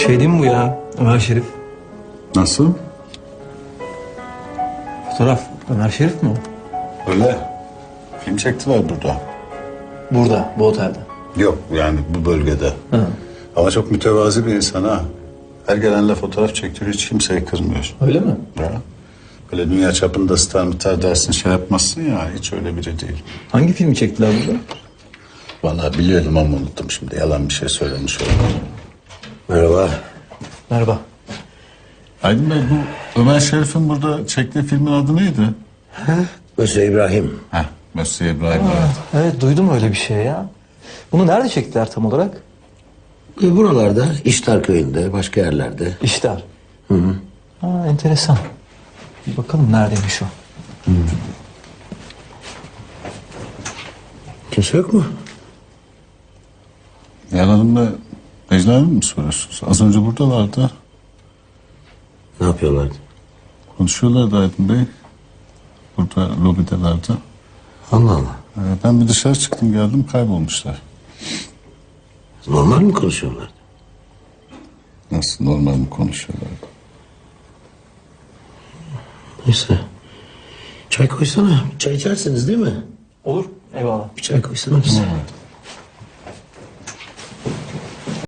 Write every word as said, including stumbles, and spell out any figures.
Şey değil mi bu ya? Ömer Şerif. Nasıl? Fotoğraf. Ömer Şerif mi o? Öyle. Film çektiler burada. Burada, bu otelde. Yok yani bu bölgede. Ha. Ama çok mütevazi bir insan ha. Her gelenle fotoğraf çektiriyor, hiç kimseyi kırmıyor. Öyle mi? Ya. Böyle dünya çapında star mıtar dersin şey yapmazsın ya, hiç öyle biri değil. Hangi filmi çektiler burada? Vallahi biliyordum ama unuttum şimdi, yalan bir şey söylemiş oldum. Merhaba. Merhaba. Aydın Bey, bu Ömer Şerif'in burada çektiği filmin adı neydi? Monsieur İbrahim. Heh, Monsieur İbrahim. Evet. Evet, duydum öyle bir şey ya. Bunu nerede çektiler tam olarak? E, buralarda, İştar köyünde, başka yerlerde. İşler. Hı hı. Ha, enteresan. Bir bakalım neredeymiş o. Kimse yok mu? Nihal Hanım'la Necla Hanım mı soruyorsunuz? Az önce buradalardı. Ne yapıyorlardı? Konuşuyorlardı Aydın Bey. Burada lobidelerdi. Allah Allah. Ee, ben bir dışarı çıktım, geldim, kaybolmuşlar. Normal mi konuşuyorlardı? Nasıl, normal mi konuşuyorlardı? Neyse. Çay koysana. Çay içersiniz değil mi? Olur, eyvallah. Bir çay koysana bize. Evet.